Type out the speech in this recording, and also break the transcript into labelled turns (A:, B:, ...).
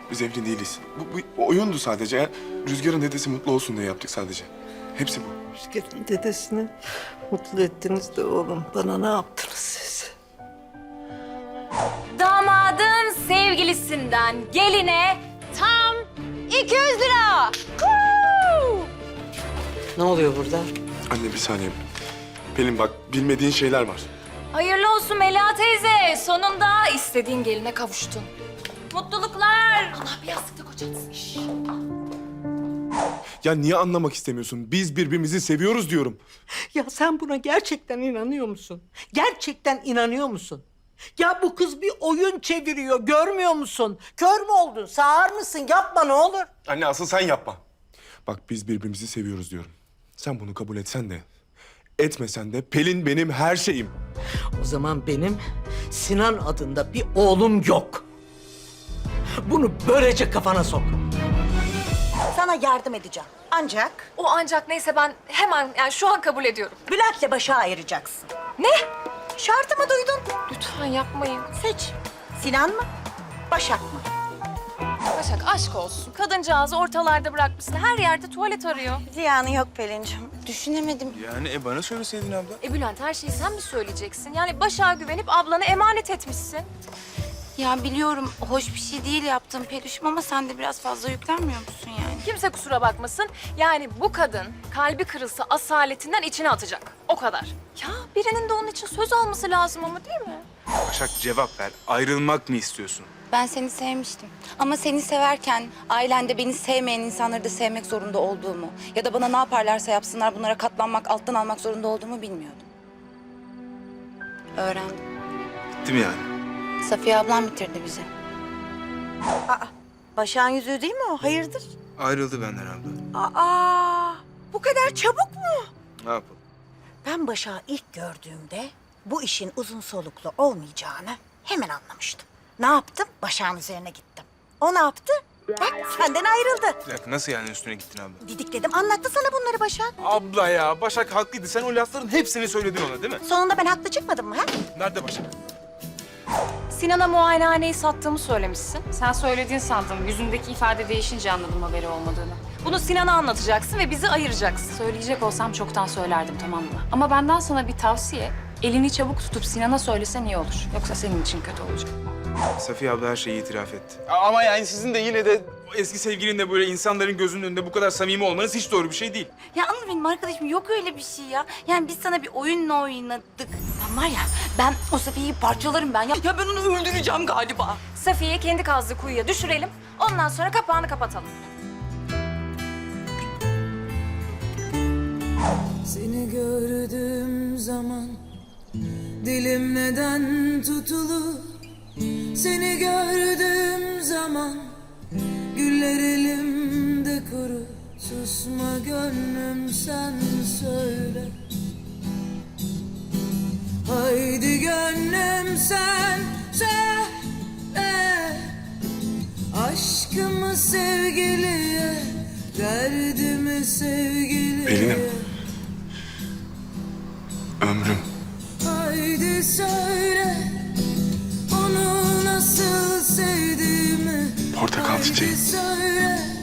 A: Biz evli değiliz. Bu oyundu sadece. Yani Rüzgar'ın dedesi mutlu olsun diye yaptık sadece. Hepsi bu.
B: Rüzgar'ın dedesini mutlu ettiniz de oğlum. Bana ne yaptınız siz?
C: Damadın sevgilisinden geline tam 200 lira.
B: Ne oluyor burada?
A: Anne bir saniye. Pelin bak bilmediğin şeyler var.
C: Hayırlı olsun Melia teyze. Sonunda istediğin geline kavuştun. Mutluluklar. Allah bir yastıkta kocatsın.
A: Ya niye anlamak istemiyorsun? Biz birbirimizi seviyoruz diyorum.
B: Ya sen buna gerçekten inanıyor musun? Gerçekten inanıyor musun? Ya bu kız bir oyun çeviriyor, görmüyor musun? Kör mü oldun, sağır mısın? Yapma ne olur.
A: Anne asıl sen yapma. Bak biz birbirimizi seviyoruz diyorum. Sen bunu kabul etsen de, etmesen de Pelin benim her şeyim.
B: O zaman benim Sinan adında bir oğlum yok. Bunu böylece kafana sok.
D: Sana yardım edeceğim. Ancak
C: O ancak neyse ben hemen yani şu an kabul ediyorum.
D: Bülent'le Başak'ı ayıracaksın.
C: Ne?
D: Şartımı duydun.
C: Lütfen yapmayın.
D: Seç. Sinan mı? Başak mı?
C: Başak aşk olsun. Kadıncağızı ortalarda bırakmışsın. Her yerde tuvalet arıyor.
D: Ziyanı yok Pelin'cim. Düşünemedim.
A: Yani bana söyleseydin abla.
C: Bülent her şeyi sen mi söyleyeceksin? Yani Başak'a güvenip ablanı emanet etmişsin.
E: Ya biliyorum hoş bir şey değil yaptığım Peluş'um ama sen de biraz fazla yüklenmiyor musun yani?
C: Kimse kusura bakmasın. Yani bu kadın kalbi kırılsa asaletinden içine atacak. O kadar. Ya birinin de onun için söz alması lazım ama değil mi?
F: Başak cevap ver. Ayrılmak mı istiyorsun?
E: Ben seni sevmiştim. Ama seni severken ailende beni sevmeyen insanları da sevmek zorunda olduğumu ya da bana ne yaparlarsa yapsınlar bunlara katlanmak, alttan almak zorunda olduğumu bilmiyordum. Öğrendim.
F: Bitti mi yani?
E: Safiye ablam bitirdi bizi.
D: Başak'ın yüzüğü değil mi o? Hayırdır?
F: Ayrıldı benden abla.
D: Aa, bu kadar çabuk mu?
F: Ne yapalım?
D: Ben Başak'ı ilk gördüğümde bu işin uzun soluklu olmayacağını hemen anlamıştım. Ne yaptım? Başak'ın üzerine gittim. O ne yaptı? Bak senden ayrıldı.
F: Bir dakika nasıl yani üstüne gittin abla?
D: Didikledim. Anlattı sana bunları Başak.
F: Abla ya Başak haklıydı. Sen o lafların hepsini söyledin ona değil mi?
D: Sonunda ben haklı çıkmadım mı ha?
F: Nerede Başak?
C: Sinan'a muayenehaneyi sattığımı söylemişsin.
G: Sen söylediğin sandım. Yüzündeki ifade değişince anladım haberi olmadığını.
C: Bunu Sinan'a anlatacaksın ve bizi ayıracaksın.
G: Söyleyecek olsam çoktan söylerdim, tamam mı? Ama benden sana bir tavsiye. Elini çabuk tutup Sinan'a söylesen iyi olur. Yoksa senin için kötü olacak.
F: Safiye abla her şeyi itiraf etti. Ama yani sizin de yine de eski sevgilinle böyle insanların gözünün önünde bu kadar samimi olmanız hiç doğru bir şey değil.
E: Ya Anıl benim arkadaşım yok öyle bir şey ya. Yani biz sana bir oyunla oynadık. Ben var ya ben o Safiye'yi parçalarım ben ya. Ya ben onu öldüreceğim galiba.
C: Safiye'yi kendi kazdığı kuyuya düşürelim. Ondan sonra kapağını kapatalım.
H: Seni gördüğüm zaman dilim neden tutulur? Seni gördüğüm zaman güller elimde kuru. Susma gönlüm sen söyle. Haydi gönlüm sen söyle. Aşkımı sevgiliye, derdimi sevgiliye.
A: Pelin'im. Ömrüm.
H: Haydi söyle, onu nasıl sevdiğimi.
A: Portakal çiçeği.
H: Haydi söyle,